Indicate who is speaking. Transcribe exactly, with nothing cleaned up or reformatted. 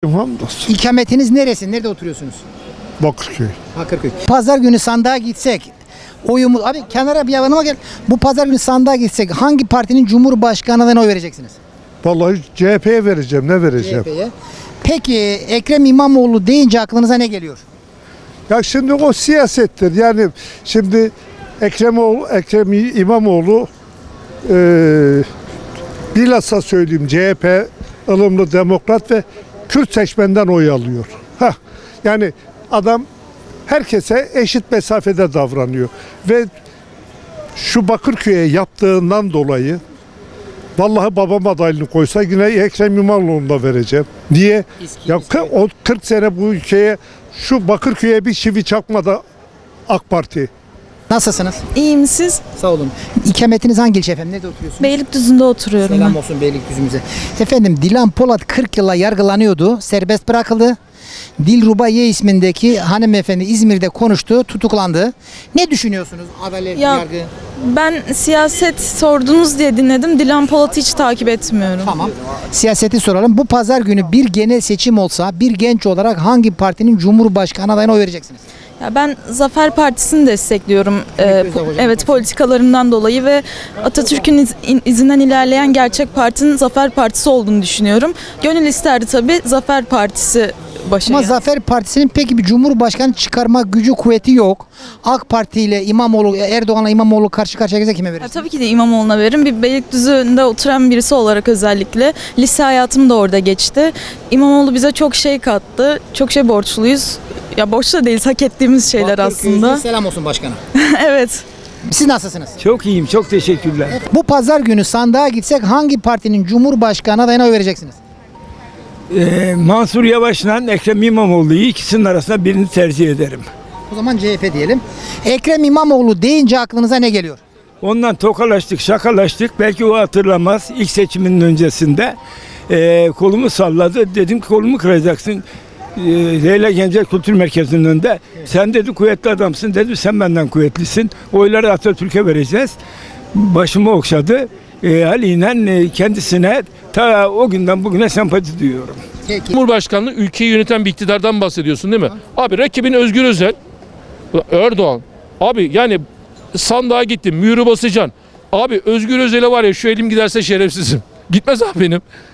Speaker 1: Hamdolsun.
Speaker 2: İkametiniz neresi? Nerede oturuyorsunuz?
Speaker 1: Bakırköy.
Speaker 2: Bakırköy. Pazar günü sandığa gitsek oyumuz abi kenara bir yanıma gel. Bu pazar günü sandığa gitsek hangi partinin cumhurbaşkanı adayına oy vereceksiniz?
Speaker 1: Vallahi C H P'ye vereceğim. Ne vereceğim?
Speaker 2: C H P'ye. Peki Ekrem İmamoğlu deyince aklınıza ne geliyor?
Speaker 1: Ya şimdi o siyasettir. Yani şimdi Ekrem, oğlu, Ekrem İmamoğlu e, bilhassa söyleyeyim C H P ılımlı demokrat ve Kürt seçmenden oy alıyor. Hah, yani adam herkese eşit mesafede davranıyor. Ve şu Bakırköy'e yaptığından dolayı vallahi babam adaylığını koysa yine Ekrem İmamoğlu'na vereceğim. Niye?
Speaker 2: İSKİ,
Speaker 1: ya
Speaker 2: İSKİ.
Speaker 1: o kırk sene bu ülkeye şu Bakırköy'e bir çivi çakmadı AK Parti.
Speaker 2: Nasılsınız?
Speaker 3: İyiyim siz?
Speaker 2: Sağ olun. İkametiniz hangi ilçe efendim? Nerede oturuyorsunuz?
Speaker 3: Beylikdüzü'nde oturuyorum
Speaker 2: Selam
Speaker 3: ben.
Speaker 2: olsun Beylikdüzü'müze. Efendim Dilan Polat kırk yıla yargılanıyordu. Serbest bırakıldı. Dilruba Ye ismindeki hanımefendi İzmir'de konuştu, tutuklandı. Ne düşünüyorsunuz? Adalet,
Speaker 3: Ya-
Speaker 2: yargı.
Speaker 3: Ben siyaset sordunuz diye dinledim. Dilan Polat'ı hiç takip etmiyorum.
Speaker 2: Tamam. Siyaseti soralım. Bu pazar günü bir genel seçim olsa bir genç olarak hangi partinin cumhurbaşkanı adayına oy vereceksiniz?
Speaker 3: Ya ben Zafer Partisi'ni destekliyorum. Ee,
Speaker 2: Özal
Speaker 3: po-
Speaker 2: Hocam
Speaker 3: evet
Speaker 2: partisi.
Speaker 3: politikalarından dolayı ve Atatürk'ün iz- in- izinden ilerleyen gerçek partinin Zafer Partisi olduğunu düşünüyorum. Gönül isterdi tabii Zafer Partisi başa
Speaker 2: Ama
Speaker 3: gelsin.
Speaker 2: Zafer Partisi'nin peki bir cumhurbaşkanı çıkarma gücü kuvveti yok. AK Parti ile İmamoğlu, Erdoğan'la İmamoğlu karşı karşıya gelse kime
Speaker 3: Ya
Speaker 2: verirsiniz?
Speaker 3: tabii ki de İmamoğlu'na veririm. Bir Beylikdüzü'nde oturan birisi olarak özellikle. Lise hayatım da orada geçti. İmamoğlu bize çok şey kattı. Çok şey borçluyuz. Ya borçlu da değiliz, hak ettiğimiz şeyler
Speaker 2: Bakırköy'de
Speaker 3: aslında.
Speaker 2: Selam olsun başkana.
Speaker 3: Evet.
Speaker 2: Siz nasılsınız?
Speaker 4: Çok iyiyim, çok teşekkürler.
Speaker 2: Bu pazar günü sandığa gitsek hangi partinin cumhurbaşkanı adayına oy vereceksiniz?
Speaker 4: Ee, Mansur Yavaş'la Ekrem İmamoğlu'yu ikisinin arasında birini tercih ederim.
Speaker 2: O zaman C H P diyelim. Ekrem İmamoğlu deyince aklınıza ne geliyor?
Speaker 4: Ondan tokalaştık, şakalaştık. Belki o hatırlamaz. İlk seçimin öncesinde ee, kolumu salladı. Dedim ki kolumu kıracaksın. Ee, Leyla Gençler Kültür Merkezi'nin önünde. Sen dedi kuvvetli adamsın. Dedim sen benden kuvvetlisin. Oyları Atatürk'e vereceğiz. Başımı okşadı. Ee, haliyle kendisine ta o günden bugüne sempati duyuyorum.
Speaker 2: Peki.
Speaker 5: Cumhurbaşkanlığı ülkeyi yöneten bir iktidardan bahsediyorsun değil mi? Abi rakibin Özgür Özel, Erdoğan. Abi yani sandığa gittim, mühürü basacaksın. Abi Özgür Özel'e var ya şu elim giderse şerefsizim. Gitmez abi benim.